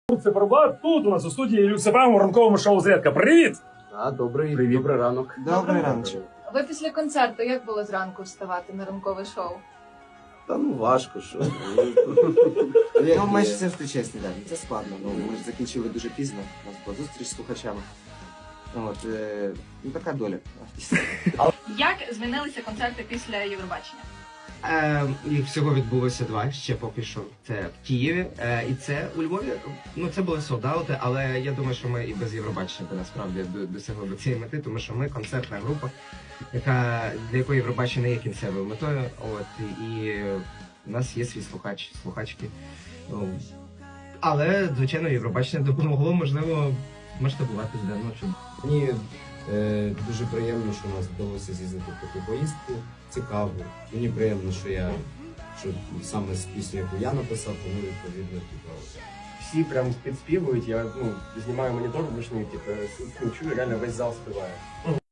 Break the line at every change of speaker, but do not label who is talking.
Циферблат тут у нас у студії Люксефем у ранковому шоу «Зрядка». Привіт!
Добрий ранок.
Добрий ранок.
Ви після концерту як було зранку вставати на ранкове шоу?
Та ну важко, що.
Ну, ми ж завжди чесні, так. Це складно. Ну, ми ж закінчили дуже пізно. У нас була зустріч з слухачами. От, ну, така доля.
Як змінилися концерти після Євробачення?
Їх всього відбулося два ще поки що. Це в Києві і це у Львові. Ну це були солдаути, але я думаю, що ми і без Євробачення би насправді досягли до цієї мети, тому що ми концертна група, для якої Євробачення не є кінцевою метою. От і у нас є свій слухачки. Ну, але звичайно, Євробачення допомогло, можливо, масштабуватись давно.
Мені дуже приємно, що у нас вдалося з'їздити в таку поїздку. Цікаво. Мені приємно, що саме з пісню, яку я написав, тому відповідно цікаво.
Всі прям підспівують, я знімаю монітор вручну, чую, реально весь зал співає.